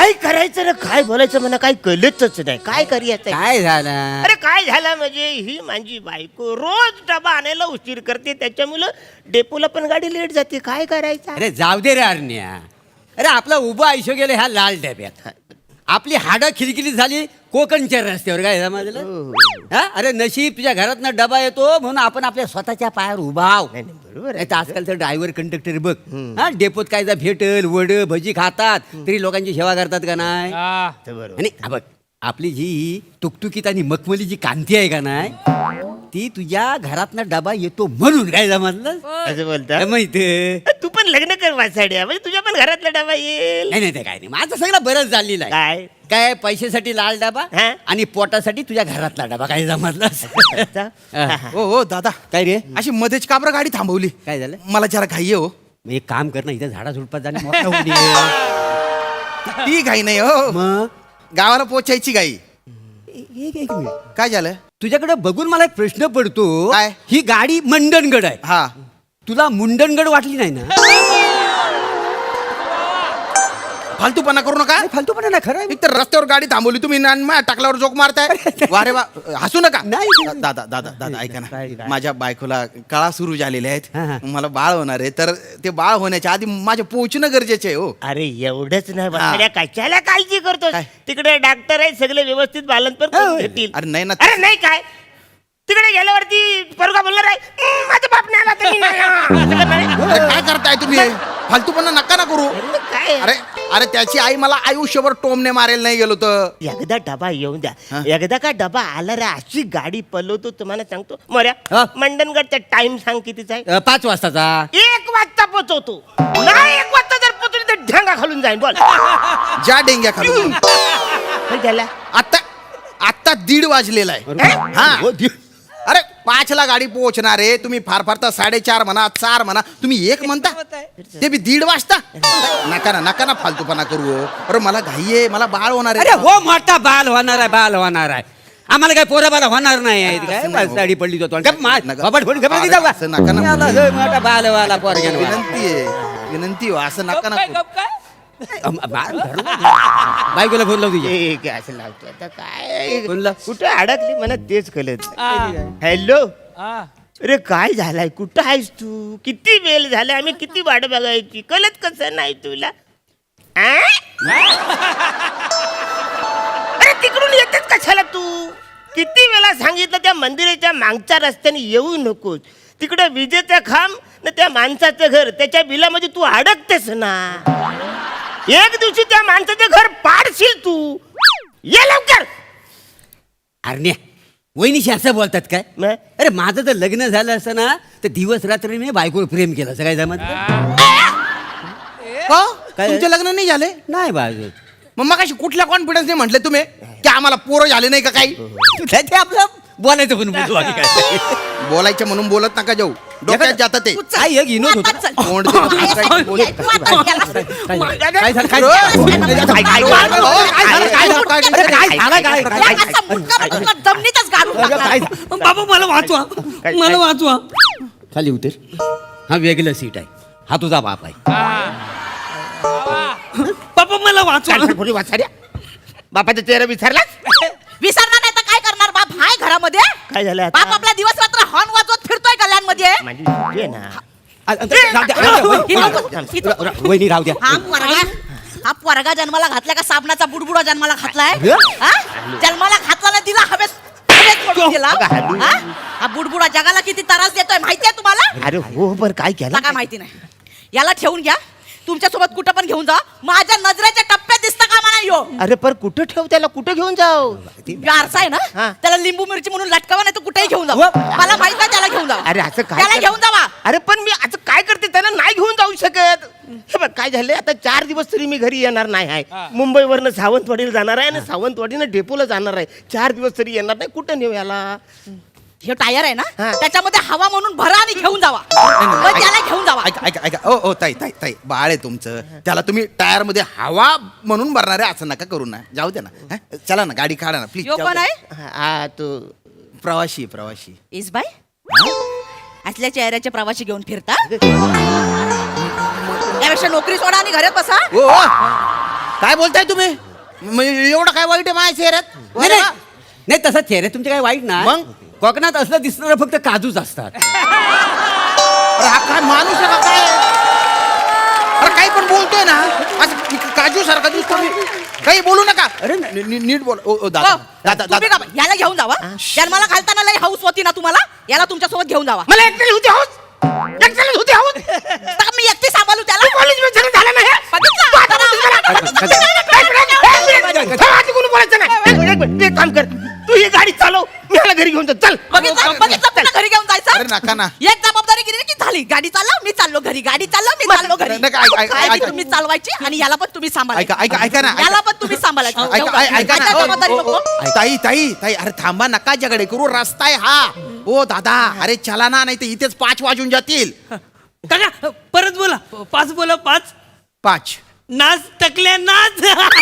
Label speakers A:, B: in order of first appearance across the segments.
A: काय करायचं ना काय बोलायचं मला काही कळतच नाही. काय करूयाचं
B: काय झालं?
A: अरे काय झालं म्हणजे ही माझी बायको रोज डबा आणायला उशीर करते, त्याच्यामुळं डेपोला पण गाडी लेट जाते. काय करायचं?
B: अरे जाऊ दे रे अरण्या. अरे आपलं उभं आयुष्य गेलं ह्या लाल डब्यात. आपली हाडं खिलखिली झाली कोकणच्या रस्त्यावर. काय समजलं? हा, अरे नशीब तुझ्या घरातनं डबा येतो म्हणून आपण आपल्या स्वतःच्या पायावर उभा आहो.
A: बरोबर
B: नाही तर आजकालचं ड्रायव्हर कंडक्टर बघ, हा डेपोत काय भेटल वड भजी खातात तरी लोकांची सेवा करतात का नाही?
A: बरोबर.
B: आणि हा बघ, आपली जी तुकतुकीत आणि मखमली जी कांती आहे का नाही, ती तुझ्या घरातनं डबा येतो म्हणून. काय समजलं?
A: असं बोलता
B: माहिती?
A: तू पण लग्न कर वासाड्या, म्हणजे तुझ्या पण घरातला डबा येईल.
B: नाही नाही ते काय नाही, माझं सगळं बरंच झालेलं आहे.
A: काय
B: काय पैशासाठी लाल डबा
A: हा?
B: आणि पोटासाठी तुझ्या घरातला डबा. काय समजलं?
C: हो हो दादा,
B: काय रे?
C: अशी मध्येच काबर गाडी थांबवली?
B: काय झालं?
C: मला जरा घाई आहे हो.
B: मग एक काम कर ना, इथं झाडा झुडपात जाणे मोठा होऊ दे.
C: ती घाई नाही हो,
B: मग
C: गावाला पोचायची घाई.
B: एक मिनिट.
C: काय झालं?
B: तुझ्याकडे बघून मला एक प्रश्न पडतो.
C: काय?
B: ही गाडी मंडणगड आहे,
C: हा,
B: तुला मुंडणगड वाटली नाही ना?
C: फालतूपणा करू नका.
B: फालतूपणा ना, खरं आहे.
C: एक तर रस्त्यावर गाडी थांबवली तुम्ही ना, आणि टाकल्यावर जोक मारताय. वारे वा, हसू नका.
B: नाही.
C: दादा दादा दादा ऐका
B: काय?
C: ना, माझ्या बायकोला कळा सुरू झालेल्या
B: हा, हा.
C: आहेत, मला बाळ होणार आहे, तर ते बाळ होण्याच्या आधी माझ्या पोहोचणं गरजेचे आहे हो.
A: अरे एवढंच नाही वासाड्या, कशाला काळजी करतो?
C: काय?
A: तिकडे डॉक्टर आहे, सगळे व्यवस्थित बालनपर करून घेतील.
C: अरे नाही ना.
A: अरे नाही काय तिकडे गेल्यावरती पोरगा बोलणार आहे, माझा बाप नाही आला तर मी नाही येणार." असं करणार आहे?
C: अरे काय करताय तुम्ही? फालतूपणा नका ना करू.
A: अरे काय
C: अरे अरे त्याची आई मला आयुष्यभर टोमने मारेल नाही गेलो तर.
A: एकदा डबा येऊन द्या.
C: हा?
A: एकदा का डबा आला रे, अशी गाडी पलवतो तुम्हाला सांगतो. मोऱ्या
B: हा?
A: मंडणगडचा टाइम सांग कितीचा आहे?
B: 5 वाजताचा.
A: 1 वाजता पोचवतो. नाही 1 वाजता जर पोचवली तर ढेंगा खालून जाईन. बोल
C: ज्या डेंग्या खालून.
A: काय झालं?
C: आता आता 1:30 वाजलेला आहे. हा.
B: हो, दि-
C: अरे 5ला गाडी पोहोचणार आहे, तुम्ही फार फार तर 4:30 म्हणा, 4 म्हणा, तुम्ही 1 म्हणता, ते बी 1:30 वाजता. नका ना नका ना फालतूपणा करू. अरे मला घाई आहे, मला बाळ होणार
B: अरे
C: आहे.
B: हो, मोठा बाल होणार आहे, बाल होणार आहे. आम्हाला काय पोरा बाला होणार नाही आहे.
C: असं
B: काय
C: नाही हो.
B: साडी पडली जातो
C: नका. असं नका ना.
B: मोठा बाल वाला पोरग्या
C: विनंती आहे, विनंती हो, असं नका ना करू.
B: बायकोला फोन लाव तुझ्या.
A: ठीक आहे, असं लावतो आता. काय
B: बोलला.
A: कुठे अडकली मला तेच कळत. हॅलो, अरे काय झालाय? कुठं आहेस तू? किती वेळ झाला, आम्ही किती वाट बघायची, कळत कसं नाही तुला? आ? अरे तिकडून येतेच कशाला तू? किती वेळा सांगितलं त्या मंदिराच्या मागच्या रस्त्याने येऊ नकोस. तिकडे विजेचा खांब ना त्या माणसाचं घर, त्याच्या बिलामध्ये तू अडकतेस ना. एक दिवशी त्या माणसाचं घर पाडशील तू. ये लवकर.
B: अरे वहिनीशी असं बोलतात काय?
A: मग?
B: अरे माझं जर लग्न झालं असतं ना तर दिवस रात्री मी बायकोवर प्रेम केलं असं. काय जमत
C: हो?
B: काय?
C: तुमचे लग्न नाही झाले?
B: नाही बाजू.
C: मग अशी कुठल्या कॉन्फिडन्सने म्हटले तुम्ही की आम्हाला पोरं झाले नाही का काही?
B: ते आपलं बोलायचं पण बोलतो आम्ही काय.
C: बोलायचं म्हणून बोलत नका जाऊ, डोक्यात जातं ते.
B: काय एक विनोद होता.
C: तोंड देऊन काय बोलत.
B: काय झालं? काय
D: बाबा मला वाचवा, मला वाचवा.
B: खाली उतर. हा वेगळं सीट आहे, हा तुझा बाप आहे.
D: बाबा मला वाचवा.
A: पुढे वाचाड्या, बापाचा चेहरा विसरलास?
E: विसरणार नाही तर काय करणार? बाप हाय घरामध्ये.
A: काय झालं आता?
E: बाप आपला दिवस रात्र हॉर्न वाजवत फिरतोय कल्याणमध्ये.
A: माझी सुट्टी आहे ना.
B: वहिनी राहू द्या.
E: हा पोरगा जन्माला घातला का साबणाचा बुडबुडा जन्माला घातलाय? हा? जन्माला घातला ना तिला हवेत पडून दिला. हा? हा बुडबुडा जगाला किती त्रास देतोय माहितीये तुम्हाला?
A: अरे हो, पण काय केलं?
E: काय माहिती नाही. याला ठेवून घ्या, तुमच्या सोबत कुठं पण घेऊन जा. माझ्या नजरेच्या टप्प्यात दिसता कामा नाही यो.
A: अरे पण कुठं ठेव त्याला, कुठं घेऊन जाऊ?
E: आरसा आहे
A: हा.
E: ना, त्याला लिंबू मिरची म्हणून लटकावा, नाही तर कुठेही घेऊन जाऊ.
A: व-
E: मला माहित नाही, त्याला घेऊन जाऊ.
A: अरे असं काय
E: त्याला घेऊन जावा.
A: अरे पण मी आता काय करते, त्याला नाही घेऊन जाऊ शकत. हे बघ काय झालंय, आता 4 दिवस तरी मी घरी येणार नाही आहे. मुंबईवरनं सावंतवाडीला जाणार आहे आणि सावंतवाडीनं डेपोला जाणार आहे. 4 दिवस तरी येणार नाही. कुठं नेऊ याला?
E: हे टायर आहे ना,
A: हा.
E: त्याच्यामध्ये हवा म्हणून भरा आणि घेऊन जावा. मग त्याला घेऊन जावा.
C: ऐका ऐका ऐका, ओ ताई ताई ताई, बाळ आहे तुमचं, त्याला तुम्ही टायर मध्ये हवा म्हणून भरणार आहे असं नका करू ना. जाऊ द्या ना. हा? चला ना, गाडी काढा ना प्लीज.
E: यो कोण आहे?
A: हा तो
C: प्रवासी प्रवासी.
E: इसबाई असल्या चेहऱ्याचे प्रवासी घेऊन फिरता? त्यापेक्षा नोकरी सोडा आणि घरात बसा.
C: ओ काय बोलताय तुम्ही म्हणजे एवढं काय वाईट आहे माझ्या चेहऱ्यात
B: नाही, नाही. नाही तसं चेहरे तुमचे काही वाईट नाही
C: मग?
B: कोकणात असलं दिसणारं फक्त काजूच असतात.
C: अरे हा काय माणूस आहे का काय अरे काही पण बोलतोय ना असं काजू सारखा दिसतो मी. काही बोलू नका
B: अरे
C: नीट बोल ओ दादा
E: हो,
C: दादा
E: तुम्ही
C: दादा
E: का- याला घेऊन जावा जन्माला घालताना लई हाऊस होती ना तुम्हाला याला तुमच्यासोबत घेऊन जावा
A: मला एकट्याला होती हौस एकट्याला होती हौस
E: तर मी एकटी सांभाळू त्याला
A: कॉलेज मध्ये झालं नाही
E: बघितलं?
A: तू आता बोलतोस मला? थांब, आधी कोणी बोलायचं नाही एक मिनिट, तू एक काम कर तू ही गाडी चालव मी ह्याला घरी घेऊन जातो चल
E: बघितलं पुन्हा घरी घेऊन
C: अरे
E: जायचं
C: नका ना
E: एक जबाबदारी केली की झाली गाडी चालव मी चाललो घरी गाडी चालव मी चाललो घरी
C: नका,
E: काय
C: ऐका.
E: तुम्ही चालवायची आणि याला पण तुम्ही सांभाळायचं
C: ऐका ना
E: याला पण तुम्ही सांभाळायचं
C: ऐका ना
E: आता जबाबदारी
C: ओ,
E: नको
C: ओ, ताई ताई ताई अरे थांबा नका जगडे करू रस्ता आहे हा ओ दादा अरे चला ना नाही तर इथेच 5 वाजून जातील
D: काका परत बोला 5 बोला 5
C: 5
D: नाच टकल्या नाच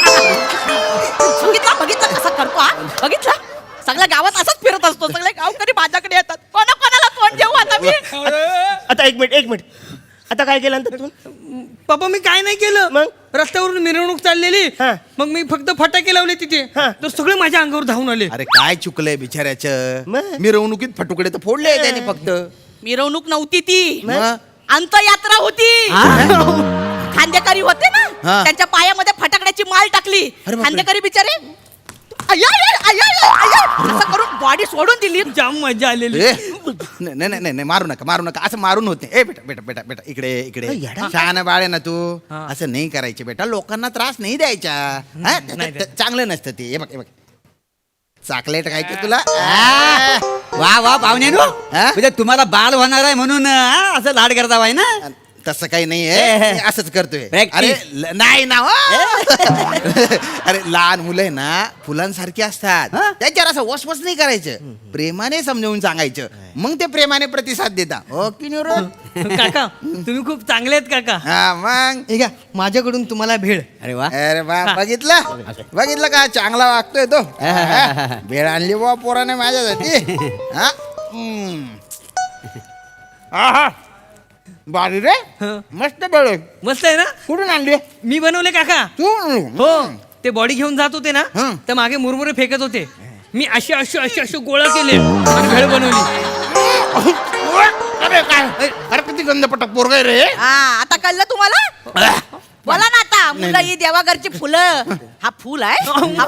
E: बघितलं कसं करतो हा बघितलं सगळ्या गावात असंच फिरत असतो सगळे गावकरी माझ्याकडे येतात कोणाला तोंड देऊ आता मी
A: आता एक मिनिट आता काय केलं नंतर तू
D: पप्पा मी काय नाही केलं
A: मग?
D: रस्त्यावरून मिरवणूक चाललेली
A: हा.
D: मग मी फक्त फटाके लावले तिथे
A: हा.
D: तर सगळे माझ्या अंगावर धावून आले
C: अरे काय चुकलंय बिचाऱ्याचं
A: मग?
C: मिरवणुकीत फटुकडे तर फोडले त्याने फक्त
E: मिरवणूक नव्हती ती
C: मग?
E: अंतयात्रा होती खांदेकरी होते ना
C: हा.
E: त्यांच्या पायामध्ये फटाकड्याची माल टाकली
C: अरे बापरे.
E: खांदेकरी बिचारे अय्या, अय्या, अय्या, अय्या, असं करून बॉडी सोडून दिली
D: जाम मजा आलेली
C: ए, नाही नाही नाही मारू नका असं मारून होते ए बेटा बेटा बेटा बेटा इकडे इकडे
A: अय, येडा.
C: शहाणा बाळ आहे ना तू असं नाही करायचे बेटा लोकांना त्रास नाही द्यायचा हा? चांगलं नसतं ते हे बघ चॉकलेट खायचं तुला आ,
B: वा वा पाहुण्यानो
C: हा?
B: म्हणजे तुम्हाला बाल होणार आहे म्हणून असं लाड करता आहे ना.
C: तसं काही नाहीये मी असंच करतोय
B: Practice.
C: अरे नाही ना हो. अरे लहान मुलं आहे ना फुलांसारखी असतात
B: हा?
C: त्याच्यावर असं वसवस नाही करायचं प्रेमाने समजावून सांगायचं मग ते प्रेमाने प्रतिसाद देता हो की नाही रे?
D: काका तुम्ही खूप चांगले आहेत काका
C: हा मग
D: हे घ्या माझ्याकडून तुम्हाला भेळ
B: अरे वा
C: अरे बा बघितलं का चांगला वागतोय तो हा? भेळ आणली बा पोराने माझ्यासाठी हा? आहा. बारी रे मस्त भेळ आहे.
D: मस्त आहे ना
C: कुठून आणली
D: मी बनवले काका
C: तू
D: हो ते बॉडी घेऊन जात होते ना
C: हं.
D: तर मागे मुरमुरे फेकत होते मी असे गोळा केले आणि भेळ बनवली
C: अरे काय अरे किती गंधपटक पोरग आहे रे
E: हा आता कळलं तुम्हाला बोला ना आता मुलं ही देवाघरची फुलं हा फुल आहे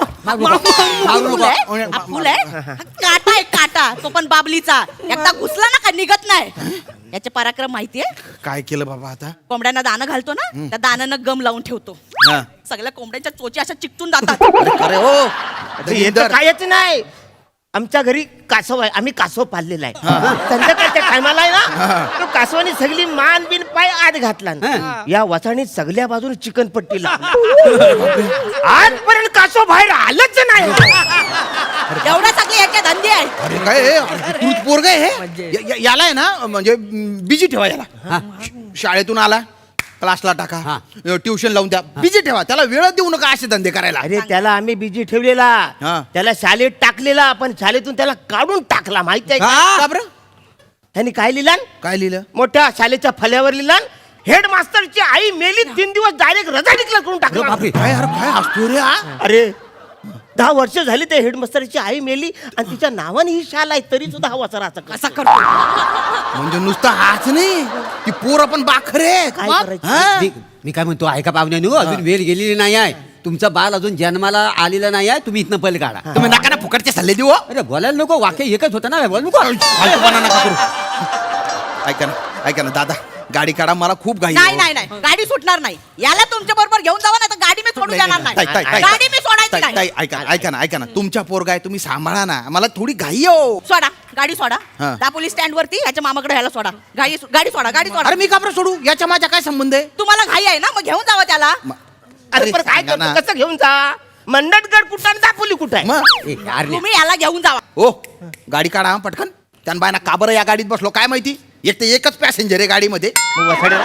E: हा फुल आहे हा काटा आहे काटा तो पण बाबलीचा एकदा घुसला ना का निघत नाही याचे पराक्रम माहितीये
C: काय केलं बाबा आता
E: कोंबड्यांना दाणं घालतो ना त्या दाण्यानं गम लावून ठेवतो
C: हा.
E: सगळ्या कोंबड्यांच्या चोची अशा चिकटून जातात
C: अरे हो
A: येतं कायच नाही आमच्या घरी कासव आहे आम्ही कासव पाळलेला आहे संध्याकाळच्या टायमाला आहे ना तो कासवाने सगळी मान बिन पाय आत घातला या वासाने सगळ्या बाजूने चिकन पट्टी लावली आजपर्यंत कासव बाहेर आलंच नाही
E: एवढ्या सगळे याचे धंदे आहे
C: अरे काय तू पोरग आहे हे? याला आहे ना म्हणजे बिजी ठेवा याला शाळेतून आला क्लासला टाका ट्युशन लावून द्या बिजी ठेवा त्याला वेळ देऊ नका असे धंदे करायला
A: अरे त्याला आम्ही बिजी ठेवलेला
C: हा.
A: त्याला शाळेत टाकलेला पण शाळेतून त्याला काढून टाकला माहिती आहे
C: का
A: का
C: बरं
A: त्यांनी काय लिहिला
C: काय लिहिलं
A: मोठ्या शाळेच्या फल्यावर लिहिला हेडमास्टरची आई मेली 3 दिवस डायरेक्ट रजा डिक्लेअर करून टाकला
C: काय अरे काय असतो रे हा
A: अरे 10 वर्ष झाली ते हेडमास्टरची आई मेली आणि तिच्या नावाने ही शाळा आहे तरी सुद्धा हा वाचरा
E: कसा करतो
C: म्हणजे नुसतं हाच नाही ती पोर पण बाखरे
A: काय
E: मग?
A: करायचं
B: मी काय म्हणतो ऐका पाहुण्यानो अजून वेळ गेलेली नाही आहे तुमचा बाल अजून जन्माला आलेला नाही आहे तुम्ही इथनं पहिले काढा
C: तुम्ही नका ना फुकटचे सल्ले देऊ हो.
B: अरे बोलायला नको वाक्य एकच होतं ना बोल नको
C: फालतूपणा नका करू ऐका ना दादा गाडी काढा मला खूप घाई
E: नाही नाही नाही गाडी सुटणार नाही याला तुमच्या बरोबर घेऊन जावा ना तर गाडी मी सोडून देणार नाही गाडी मी सोडायची नाही
C: ऐका ना तुमच्या पोरगा आहे तुम्ही सांभाळा ना मला थोडी घाई हो
E: सोडा गाडी सोडा
C: हा.
E: त्या पोलीस स्टँड वरती याच्या मामाकडे ह्याला सोडा गाडी सोडा गाडी सोडा
C: अरे मी का बरं सोडू याच्या माझ्या काय संबंध आहे
E: तुम्हाला घाई आहे ना मग घेऊन जावा त्याला
A: अरे पण काय
C: सांगा ना.
A: करतो कसं घेऊन जा मंडटगड कुठं आणि दापोली कुठं आहे
C: मग
B: यार
E: तुम्ही याला घेऊन जावा
C: ओ गाडी काढा हा, पटकन त्यान बायना का बरं या गाडीत बसलो काय माहिती एक तर एकच पॅसेंजर आहे गाडीमध्ये
A: मग वसाडे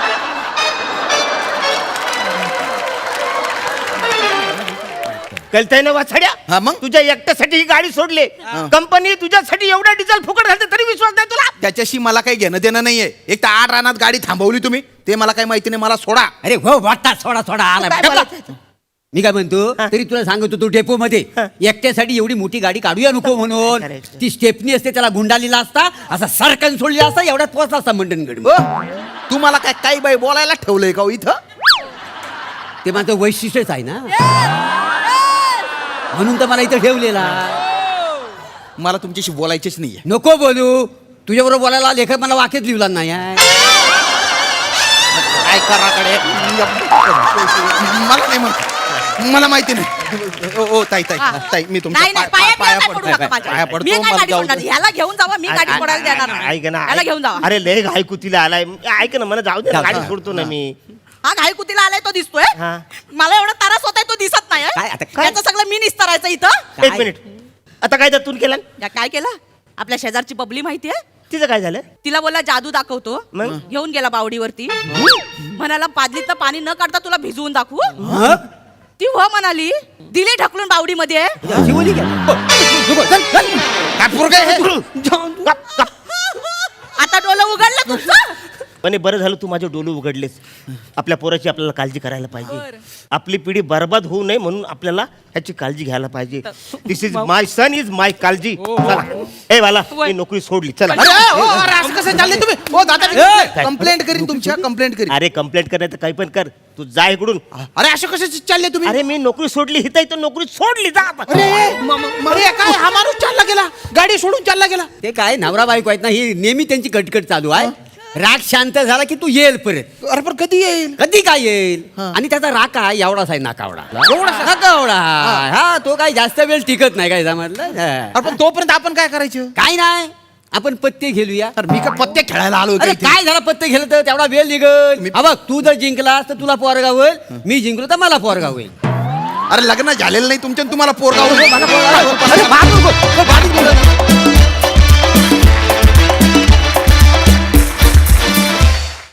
A: कळतंय ना वाछड्या
C: हा, मग?
A: तुझ्या एकट्यासाठी ही गाडी सोडले कंपनी तुझ्यासाठी एवढा डिझेल फुकट घालते तरी विश्वास नाही तुला
C: त्याच्याशी मला काही घेणं देणं नाहीये एक तर 8 रानात गाडी थांबवली तुम्ही ते मला काही माहिती नाही मला सोडा
B: अरे हो वाटता सोडा सोडा आला
A: काय बोलायचं?
B: मी काय म्हणतो तरी तुला सांगतो तू डेपो मध्ये एकट्यासाठी एवढी मोठी गाडी काढूया नको म्हणून
A: Correct.
B: ती स्टेपनी असते त्याला गुंडालीला असता असा सरकन सोडलेला असता एवढ्यात पोहोचला असता मंडणगड
C: हो? तुम्हाला काय काही बाई बोलायला ठेवलंय का हो इथं?
B: ते माझं वैशिष्ट्यच आहे ना म्हणून तर मला इथं ठेवलेला
C: मला तुमच्याशी बोलायचीच नाहीये.
B: नको बोलू तुझ्याबरोबर बोलायला लेखक मला वाक्यात लिहिला नाही आहे.
C: काय कराकडे मला नाही माहिती. मला माहिती नाही. ओ ताई ताई ताई मी तुमच्या
E: नाही नाही पाया पडू नका माझ्या.
C: पाया
E: मी
C: पडतो
E: काय
C: मला
E: गाडी
C: जाऊ
E: सोडणार?
C: दे.
E: ह्याला घेऊन जावा मी गाडी सोडायला देणार नाही.
A: ऐक ना
E: ह्याला घेऊन जावा.
A: अरे लय घाई कुतीला आलाय ऐक ना मला जाऊ दे ना, गाडी सोडतो ना मी.
E: हा घाई कुतीला आलाय तो दिसतोय
A: हा.
E: मला एवढा त्रास होताय तो दिसत नाही
B: काय आता काय?
E: याचं सगळं मी निस्तारायचं इथं.
B: काय?
A: एक मिनिट आता काय तर तू केलं
E: या काय केलं आपल्या शेजारची बबली माहितीये
A: तिचं काय झालं
E: तिला बोला जादू दाखवतो
A: मग?
E: घेऊन गेला बावडीवरती म्हणाला पादलीतलं पाणी न काढता तुला भिजवून दाखवू
B: हं?
E: ती हो म्हणाली दिली ढकलून बावडीमध्ये
B: अशी बोली का?
C: काय पोरगं आहे हे?
E: आता डोलं उघडलं तुमचं
A: पण हे बरं झालं तू माझे डोळे उघडलेस आपल्या पोराची आपल्याला काळजी करायला पाहिजे आपली पिढी बर्बाद होऊ नये म्हणून आपल्याला ह्याची काळजी घ्यायला पाहिजे दिस इज माय सन इज माय काळजी चला ए वाला मी नोकरी सोडली चला
C: अरे ओ, अरे असं कसं चाललंय तुम्ही ओ दादा कंप्लेंट करीन तुमच्या कंप्लेंट करीन.
A: अरे कंप्लेंट करायचं काही पण कर तू जा इकडून
C: अरे असं कसं चालले तुम्ही?
A: अरे मी नोकरी सोडली हिता इथं नोकरी सोडली जा आता.
C: अरे अरे काय हा माणूस चालला गेला गाडी सोडून चालला गेला.
B: ते काय नवरा बायको आहेत ना ही नेहमी त्यांची कटकट चालू आहे राग शांत झाला की तू येईल परत
C: अरे पण कधी येईल?
B: कधी काय येईल आणि त्याचा राग काय एवढाच आहे नाकावडा नाकावडा हा तो काय जास्त वेळ टिकत नाही काय समजलं
C: अरे पण तोपर्यंत आपण काय करायचं?
B: काय नाही आपण पत्ते खेळूया
C: अरे मी काय पत्ते खेळायला आलो होतो
B: अरे
C: इथे?
B: काय झालं पत्ते खेळत तेवढा वेळ निघल हा बघ तू जर जिंकलास तर तुला पोरगा होईल मी जिंकलो तर मला पोरगा होईल
C: अरे लग्न झालेलं नाही तुमच्या आणि तुम्हाला पोरगा होईल.
B: मला पोरगा होईल.
C: अरे, बाजूला, बाजूला.